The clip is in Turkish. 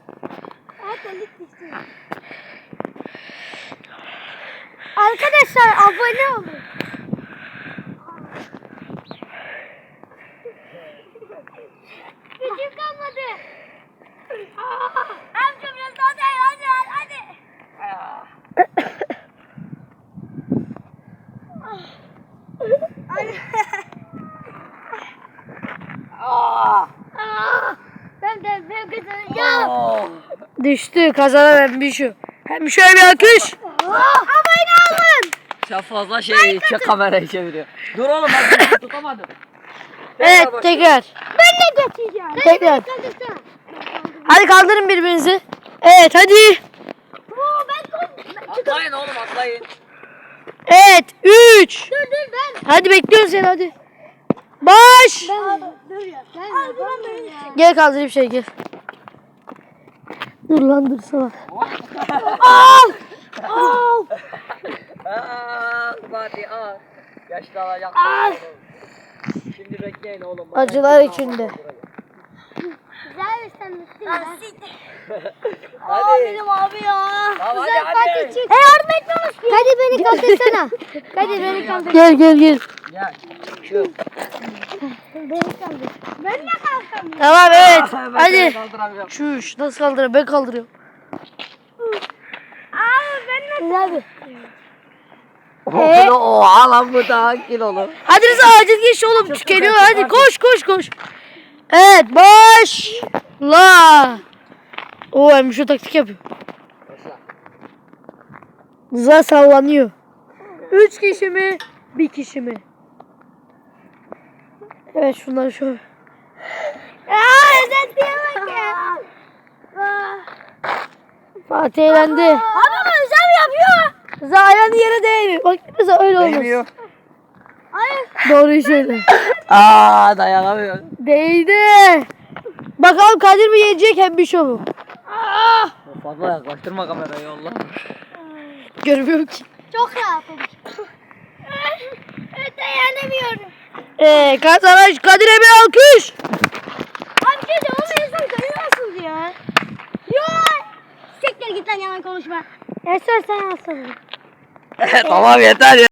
Arkadaşlar abone olun. Gücüm kalmadı. Amca biraz daha dayan hadi. Ben kazanacağım. Düştü, kazanan Embişo. Embişo'ya bir alkış. Abone olun. Sen fazla kamerayı çeviriyor. Dur oğlum ben tutamadım. Evet, tekrar. Ben de geçeceğim. Tekrar. Hadi kaldırın birbirinizi. Evet, hadi. Atlayın oğlum atlayın. Evet, 3. Dur ben. Hadi bekliyorum seni, hadi. Baş. Dur ya. Ben Gel kaldırayım şey, gel. Dur lan, dur sana. Hadi al. Yaşlı alacak. Şimdi bekleyin oğlum. Acılar içinde. Güzel bir sen mutlu. Hadi. Benim abi ya. Tamam, Güzel hadi. parti çık. Yardım etmemiş. Hadi beni kaldırsana. Hadi beni kaldır. Gel. Gel. Şu. Beni kaldır. Ben de kalkamıyorum. Tamam, evet. Ben Hadi. seni kaldıramıyorum. Şuş, nasıl kaldırıyorum? Ben kaldırıyorum. Ben de. Güzel bir. Oha lan bu daha kilolu. Hadi Rıza, acil geç oğlum, tükeniyor. Hadi koş. Evet, başla. Oo, Embişo taktik yapıyor. Rıza sallanıyor. 3 kişi mi? 1 kişi mi? Evet, şunları şöyle. Özetliğe bak ya. Fatih eğlendi. Ama güzel yapıyor. Rıza ayağını yere değmiyor. Bak Rıza öyle olmaz. Değmiyor. Hayır. Doğruyu söyle. Dayanamıyor. Değdi. Bakalım Kadir mi yenecek, Embişo mu? Fazla yaklaştırma kamerayı Allah. Görmüyorum ki. Çok rahatım. Dayanamıyorum. Kazanan Kadir'e bir alkış. Abi şey de onu insan duyuyorsunuz ya. Yok. Siktir git lan yalan konuşma. Sen alsana. Tamam yeter ya.